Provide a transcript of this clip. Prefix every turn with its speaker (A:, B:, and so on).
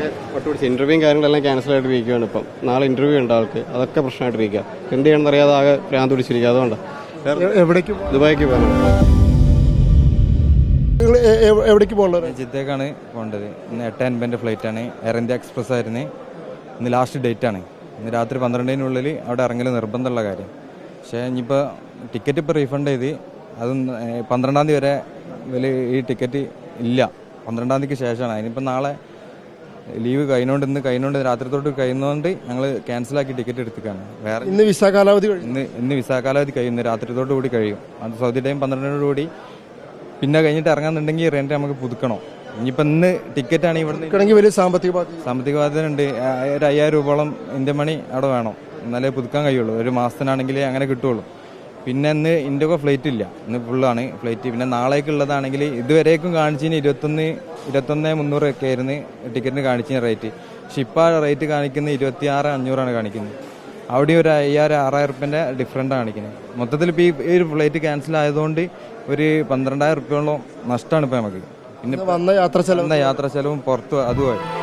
A: ഒട്ടുപിടിച്ച് ഇന്റർവ്യൂവും കാര്യങ്ങളെല്ലാം ക്യാൻസൽ ആയിട്ടിരിക്കുകയാണ്. ഇപ്പം നാളെ ഇന്റർവ്യൂ ഉണ്ട് ആൾക്ക്, അതൊക്കെ പ്രശ്നമായിട്ടിരിക്കുക. എന്ത് ചെയ്യണമെന്ന് അറിയാതെ ആകെ ഭ്രാന്ത് പിടിച്ചിരിക്കുക. അതുകൊണ്ട്
B: എവിടേക്ക്
A: ദുബായിക്ക് പോകാൻ
B: എവിടേക്ക് പോകുന്നത്?
C: ജിദ്ദക്കാണ് പോകേണ്ടത്. ഇന്ന് 8:50 ഫ്ലൈറ്റാണ്. എയർ ഇന്ത്യ എക്സ്പ്രസ് ആയിരുന്നു. ഇന്ന് ലാസ്റ്റ് ഡേറ്റ് ആണ്. ഇന്ന് രാത്രി 12-നുള്ളിൽ അവിടെ ഇറങ്ങൽ നിർബന്ധമുള്ള കാര്യം. പക്ഷേ ഇനിയിപ്പോൾ ടിക്കറ്റ് ഇപ്പോൾ റീഫണ്ട് ചെയ്ത് അതും 12-ാം തീയതി വരെ ഈ ടിക്കറ്റ് ഇല്ല. 12-ാം തീയതിക്ക് ശേഷമാണ്. അതിനിപ്പോൾ നാളെ ലീവ് ഇന്ന് രാത്രി തൊട്ട് കഴിയുന്നതുകൊണ്ട് ഞങ്ങൾ ക്യാൻസലാക്കി ടിക്കറ്റ് എടുത്തിക്കാണ്. വേറെ
B: ഇന്ന് വിസ കാലാവധി
C: ഇന്ന് വിസ കാലാവധി കഴിയും. ഇന്ന് രാത്രി തൊട്ട് കൂടി കഴിയും. അത് സൗദി ടൈം 12-നോടുകൂടി പിന്നെ കഴിഞ്ഞിട്ട് ഇറങ്ങാന്നുണ്ടെങ്കിൽ റെന്റ് നമുക്ക് പുതുക്കണം. ഇനിയിപ്പോൾ ഇന്ന് ടിക്കറ്റാണ്
B: ഇവിടുന്ന് വലിയ സാമ്പത്തിക
C: ബാധ്യത ഉണ്ട്. ഒരു 5000 രൂപയോളം ഇന്ത്യൻ മണി അവിടെ വേണം, എന്നാലേ പുതുക്കാൻ കഴിയുള്ളൂ. ഒരു മാസത്തിനാണെങ്കിൽ അങ്ങനെ കിട്ടുള്ളൂ. പിന്നെ ഇന്ന് ഇൻഡിഗോ ഫ്ലൈറ്റ് ഇല്ല, ഇന്ന് ഫുള്ളാണ് ഫ്ലൈറ്റ്. പിന്നെ നാളേക്കുള്ളതാണെങ്കിൽ ഇതുവരേക്കും കാണിച്ചതിന് 21,300 ഒക്കെ ആയിരുന്നു ടിക്കറ്റിന് കാണിച്ചതിന് റേറ്റ്. പക്ഷെ ഇപ്പോൾ ആ റേറ്റ് കാണിക്കുന്നത് 26,500 കാണിക്കുന്നത്. അവിടെ ഒരു 5,000-6,000 റുപ്യൻ്റെ ഡിഫറൻറ്റ് കാണിക്കുന്നത്. മൊത്തത്തിൽ ഇപ്പോൾ ഈ ഒരു ഫ്ലൈറ്റ് ക്യാൻസൽ ആയതുകൊണ്ട് ഒരു 12,000 റുപ്യോളം നഷ്ടമാണ് ഇപ്പോൾ നമുക്ക്. പിന്നെ
B: യാത്രാ ചെലവും
C: പുറത്ത് അതുമായി